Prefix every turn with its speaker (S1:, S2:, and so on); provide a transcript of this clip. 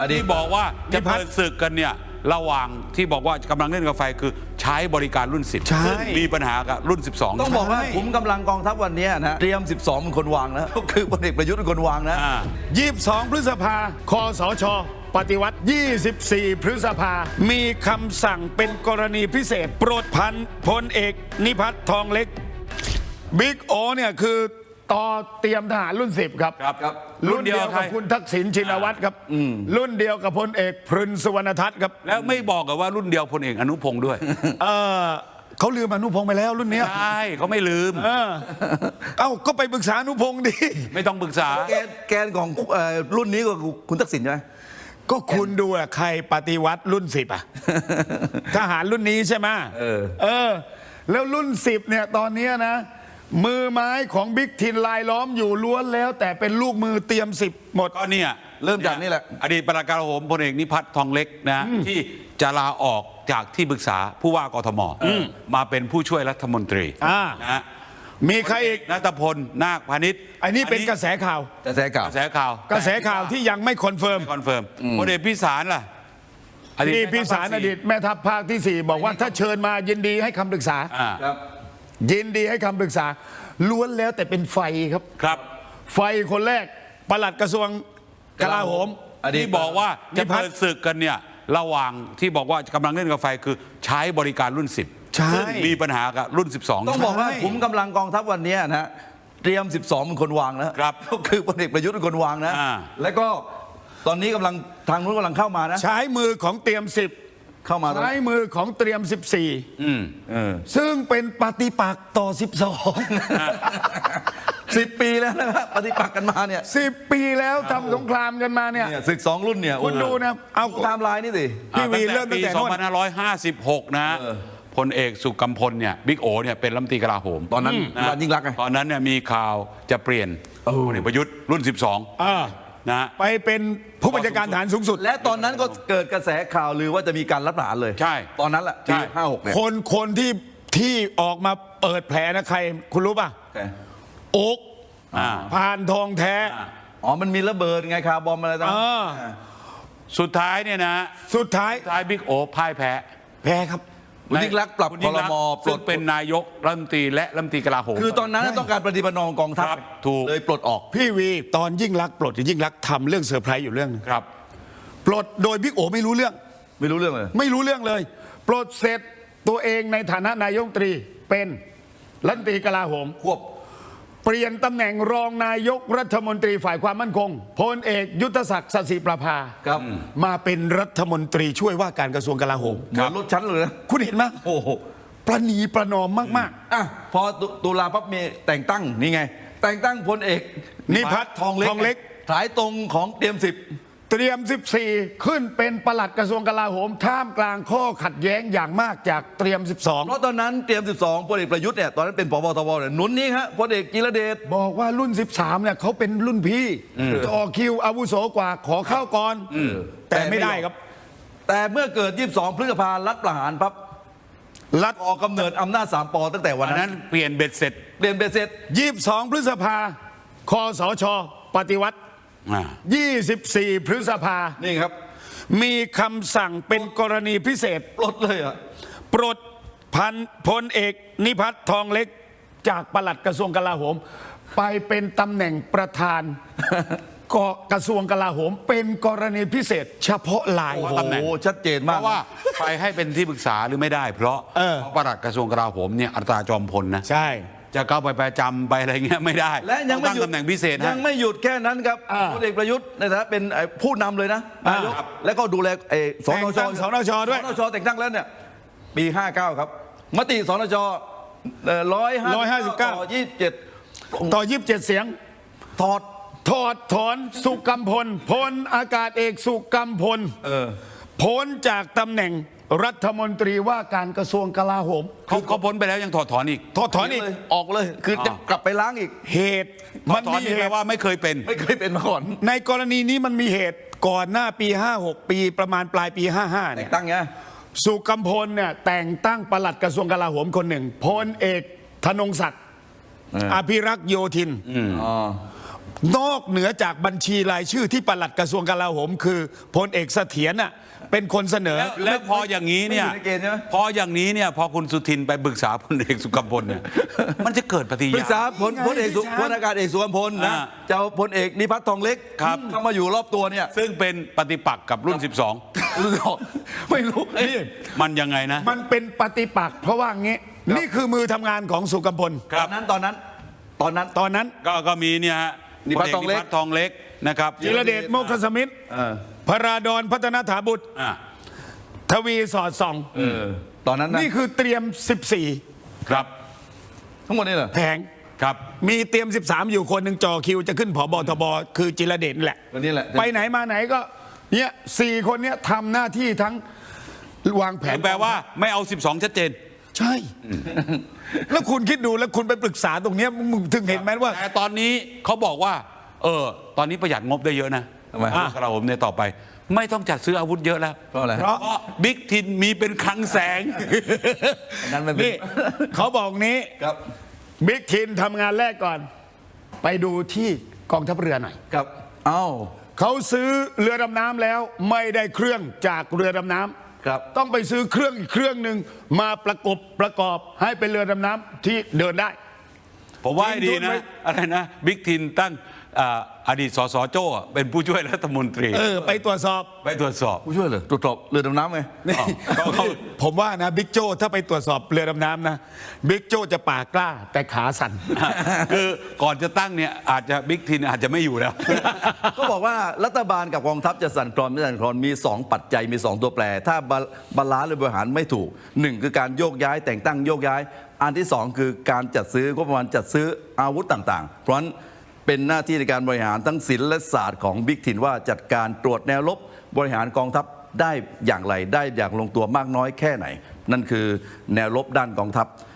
S1: ที่บอกว่าจะเปิดศึกกันเนี่ยระหว่างที่บอกว่ากำลังเล่นกับไฟคือใช้บริการรุ่น 10ซึ่งมีปัญหากับรุ่น 12
S2: ต้องบอกว่าขุมกำลังกองทัพวันนี้นะเตรียม 12เป็นคนวางนะก็คือพลเอกประยุทธ์เป็นคนวางนะ
S3: 22 พฤษภาคสช.ปฏิวัติ 24 พฤษภามีคำสั่งเป็นกรณีพิเศษโปรดพันพลเอกนิพัฒน์ทองเล็กบิ๊กโอเนี่ยคือต่อเตรียมทหารรุ่น 10 ครับรุ่นเดียวกับคุณทักษิณชินวัตรครับรุ่นเดียวกับพลเอกพรินสุวรรณทัศน์ครับ
S1: แล้วไม่บอกกับว่ารุ่นเดียวพลเอกอนุพงศ์ด้วย
S3: เขาลืมอนุพงศ์ไปแล้วรุ่นนี้
S1: ใช่เขาไม่ลืม
S3: ก็ไปปรึกษาอนุพงศ์ดิ
S1: ไม่ต้องปรึกษา
S2: แกนของรุ่นนี้ก็คุณทักษิณใช่ไหม
S3: ก็คุณดูอะใครปฏิวัติรุ่น 10อะทหารรุ่นนี้ใช่ไหมแล้วรุ่น 10เนี่ยตอนนี้นะมือไม้ของบิ๊กทินลายล้อมอยู่ล้วนแล้วแต่เป็นลูกมือเตรียม 10หมด
S1: ก็เนี่ย
S2: เริ่มจากนี่แหละ
S1: อดีตปลัดกระทรวงพลเอกนิพัฒน์ทองเล็กนะที่จะลาออกจากที่ปรึกษาผู้ว่ากทมมาเป็นผู้ช่วยรัฐมนตรีนะ
S3: มีใครอีก
S1: ณัฐพลนาคพาณิชย์
S3: อันนี้เป็นกระแสข่าวที่ยังไม่คอนเฟิร์ม
S1: พลเอกพิสารล่ะ
S3: พี่พิสารอดีตแม่ทัพภาคที่ 4บอกว่าถ้าเชิญมายินดีให้คำปรึกษายินดีให้คำปรึกษาล้วนแล้วแต่เป็นไฟครับไฟคนแรกปลัดกระทรวงกลาโหม
S1: ที่บอกว่าจะเปิดศึกกันเนี่ยระหว่างที่บอกว่ากำลังเล่นกับไฟคือใช้บริการรุ่น 10ซึ่งมีปัญหากับรุ่น 12
S2: ต้องบอกว่าขุมกำลังกองทัพวันนี้นะเตรียม 12เป็นคนวางนะก็คือพลเอกประยุทธ์เป็นคนวางนะแล้วก็ตอนนี้กำลังทางนู้นกำลังเข้ามานะ
S3: ใช้มือของเตรียม 10
S2: เข้ามา
S3: ใช้มือของเตรียม 14ซึ่งเป็นปฏิปักษ์ต่อ
S2: 10 ปีแล้วนะครับปฏิปักษ์กันมาเนี่ย
S3: 10 ปีแล้วทำสงครามกันมาเนี่ย
S2: ศึก2รุ่นเนี่ย
S3: คุณดูนะ
S2: เอาไทม์ไลน์นี่สิ
S1: พี่วีเริ่มตั้งแต่ปี2556นะพลเอกสุกัมพลเนี่ยบิ๊กโอเนี่ยเป็นรัฐมนตรีกลาโหม
S2: ตอนนั้นยิ่งรัก
S1: ตอนนั้นเนี่ยมีข่าวจะเปลี่ยนพลเอกประยุทธ์รุ่น 12นะ
S3: ไปเป็นผู้บัญชาการทหารสูงสุด
S2: และตอนนั้นก็เกิดกระแสข่าวลือว่าจะมีการรัฐประหารเลย
S1: ใช่
S2: ตอนนั้นแหละปี56เนี่ย
S3: คนที่ออกมาเปิดแผลนะใครคุณรู้ป่ะโอ๊กพานทองแท้
S2: มันมีระเบิดไงคาร์บอมอะไรต่าง
S1: สุดท้ายเนี่ยนะ
S3: สุดท้าย
S1: บิ๊กโอพ่ายแพ้
S3: ครับ
S2: คุณยิ่งรักปรับพรม.
S1: ปลดเป็นนายกรัฐมนตรีและรัฐมนตรีกลาโหม
S2: คือตอนนั้นต้องการปฏิบัตินองกองทัพเลยปลดออก
S3: พี่วีตอนยิ่งรักปลดยิ่งรักทำเรื่องเซอร์ไพรส์อยู่เรื่องนึง
S1: ครับ
S3: ปลดโดยบิ๊กโอไม่รู้เรื่องเลยปลดเสร็จตัวเองในฐานะนายกรัฐมนตรีเป็นรัฐมนตรีกลาโหม
S2: ควบ
S3: เปลี่ยนตำแหน่งรองนายกรัฐมนตรีฝ่ายความมั่นคงพลเอกยุทธศักดิ์สศิประภามาเป็นรัฐมนตรีช่วยว่าการกระทรวงกลาโหม
S2: เหมือนลดชั้นเลยนะ
S3: คุณเห็นไหม
S2: โอ้โห
S3: ประนีประนอมมาก
S2: พอตุลาปั๊บมีแต่งตั้งนี่ไงแต่งตั้งพลเอก
S3: นิพัฒน์ทองเล็ก
S2: สายตรงของเตรียม 10
S3: เตรียม 14ขึ้นเป็นปลัดกระทรวงกลาโหมท่ามกลางข้อขัดแย้งอย่างมากจากเตรียม 12
S2: เพราะตอนนั้นเตรียม 12พลเอกประยุทธ์เนี่ยตอนนั้นเป็นผบ.ทบ.เนี่ยหนุนนี้ฮะพลเอกจิรเดช
S3: บอกว่ารุ่น 13เนี่ยเขาเป็นรุ่นพี่ต่อคิวอาวุโสกว่าขอเข้าก่อนแต่ไม่ได้ครับ
S2: แต่เมื่อเกิด22 พฤษภารัฐประหารปั๊บรัฐออกกำเนิดอำนาจ3 ป.ตั้งแต่วันนั้น
S1: เปลี่ยนเบ็ดเสร็จ
S3: 22 พฤษภาคสช.ปฏิวัติ24 พฤษภา
S2: นี่ครับ
S3: มีคำสั่งเป็นกรณีพิเศษ
S2: ปลดเลย
S3: ปลดพลเอกนิพัฒน์ทองเล็กจากปลัดกระทรวงกลาโหมไปเป็นตำแหน่งประธานกระทรวงกลาโหมเป็นกรณีพิเศษเฉพาะลาย
S1: ตำแหน่ง
S2: ชัดเจนมาก
S1: เพราะว่าไปให้เป็นที่ปรึกษาหรือไม่ได้เพราะปลัดกระทรวงกลาโหมเนี่ยอัตราจอมพลนะ
S3: ใช่
S1: จะเข้าไปประจำไปอะไรเงี้ยไม่ได้
S2: และยังไม่หยุด
S1: ตำแหน่งพิเศษ
S2: ยังไม่หยุดแค่นั้นครับพลเอกประยุทธ์ในฐานะเป็นผู้นำเลยนะนายกแล้วก็ดูแลสนช.
S3: ด้วย
S2: สนช.แต่งตั้งแล้วเนี่ยปี59ครับมติสนช159
S3: ต่อ27เสียงถอนสุกัมพลพลอากาศเอกสุกัมพลพ้นจากตำแหน่งรัฐมนตรีว่าการกระทรวงกลาโหม
S1: เขาพ้นไปแล้วยังถอดถอนอีก
S2: ออกเลยคือจะกลับไปล้างอีก
S3: เหตุ
S1: มันมีเหตุว่าไม่เคยเป็น
S2: มาก่อน
S3: ในกรณีนี้มันมีเหตุก่อนหน้าปี56ปีประมาณปลายปี55เนี่ย
S2: ตั้งไง
S3: สุกัมพลเนี่ยแต่งตั้งปลัดกระทรวงกลาโหมคนหนึ่งพลเอกธนงศักดิ์อภิรักษ์โยธินนอกเหนือจากบัญชีรายชื่อที่ปลัดกระทรวงกลาโหมคือพลเอกเสถียรน่ะเป็นคนเสนอ
S1: แล้วพออย่างนี้เนี่ย
S2: ไม่อยู่ในเกณฑ์ใช่ไหม
S1: พออย่างนี้เนี่ยพอคุณสุทินไปปรึกษาพลเอกสุกัมพลเนี่ยมันจะเกิดปฏิ
S2: ปรึ
S1: ยา
S2: กษาพลเอกสุพลอากาศเอกสุวรรณพลนะ
S1: อ่า
S2: จะเอาพลเอกนิพัฒน์ทองเล็ก
S1: ครับ
S2: เข้ามาอยู่รอบตัวเนี่ย
S1: ซึ่งเป็นปฏิปักษ์กับรุ่น
S2: ไม่รู้
S3: นี่
S1: 12 มันยังไงนะ
S3: มันเป็นปฏิปักษ์เพราะว่างี้นี่คือมือทำงานของสุกัมพล
S1: ครับ
S2: ตอนนั้น
S3: ตอนนั้น
S1: ก็มีเนี่ยฮะ
S2: นิพัฒน์ทองเล็ก
S1: พนิพัฒน์ทองเล็กนะครับ
S3: จิรเดชโมกขสมิทธิ์
S2: เออ
S3: พระราดอนพัฒนาถาบุตร
S1: อ่า
S3: ทวีสอดส่อง
S2: ตอนนั้นนะ
S3: นี่คือเตรียม
S1: ครับ
S2: ทั้งหมดนี่เหรอ
S3: 14 แผง
S1: ครับ
S3: มีเตรียม 13 อยู่คนหนึ่งจ่อคิวจะขึ้นผบทบคือจิรเดชนี่แหละ
S2: วันนี้แหละ
S3: ไปไหนมาไหนก็เนี่ย4 คนเนี้ยทำหน้าที่ทั้งวางแผน
S1: แปลว่าไม่เอา 12 ชัดเจน
S3: ใช่ แล้วคุณคิดดูแล้วคุณไปปรึกษาตรงเนี้ยมึงถึงเห็นไหมว่า
S1: แต่ตอนนี้เขาบอกว่า ตอนนี้ประหยัดงบได้เยอะนะ
S2: ทำไม
S1: กระผมเนี่ยต่อไป ไม่ต้องจัดซื้ออาวุธเยอะแล้ว
S2: เพราะอะไร
S3: เพราะ
S1: เพราะบิ๊กทินมีเป็นคลังแสง
S2: นั้นมันเป็น
S3: นี่เขาบอกนี้
S2: ครับ
S3: บิ๊กทินทำงานแรกก่อน ไปดูที่กองทัพเรือหน่อย
S2: ครับเอ้า
S3: เขาซื้อเรือดำน้ำแล้วไม่ได้เครื่องจากเรือดำน้ำ
S2: ครับ
S3: ต้องไปซื้อเครื่องอีกเครื่องหนึ่งมาประกอบให้เป็นเรือดำน้ำที่เดินได้
S1: ผมว่าให้ดี
S3: ทิ้งทุนไว้
S1: นะ อะไรนะบิ๊กทินตั้งอดีตสสโจ้เป็นผู้ช่วยรัฐมนตรี
S3: ไปตรวจสอบ
S1: ไปตรวจสอบ
S2: ผู้ช่วยเลยตรวจสอบเรือดำน้ำไง
S3: ผมว่านะบิ๊กโจ้ถ้าไปตรวจสอบเรือดำน้ำนะบิ๊กโจ้จะปากกล้าแต่ขาสั่น
S1: คือก่อนจะตั้งเนี่ยอาจจะบิ๊กทินอาจจะไม่อยู่แล้ว
S2: ก็บอกว่ารัฐบาลกับกองทัพจะสั่นคลอนไม่สั่นคลอนมี 2 ปัจจัยมี 2 ตัวแปร ถ้าบาลานซ์หรือบริหารไม่ถูก 1 คือการโยกย้ายแต่งตั้งโยกย้าย อันที่ 2 คือการจัดซื้องบประมาณจัดซื้ออาวุธต่างๆ เพราะฉะนั้นเป็นหน้าที่ในการบริหารทั้งศิลป์และศาสตร์ของบิ๊กทินว่าจัดการตรวจแนวรบบริหารกองทัพได้อย่างไรได้อย่างลงตัวมากน้อยแค่ไหน นั่นคือแนวรบด้านกองทัพ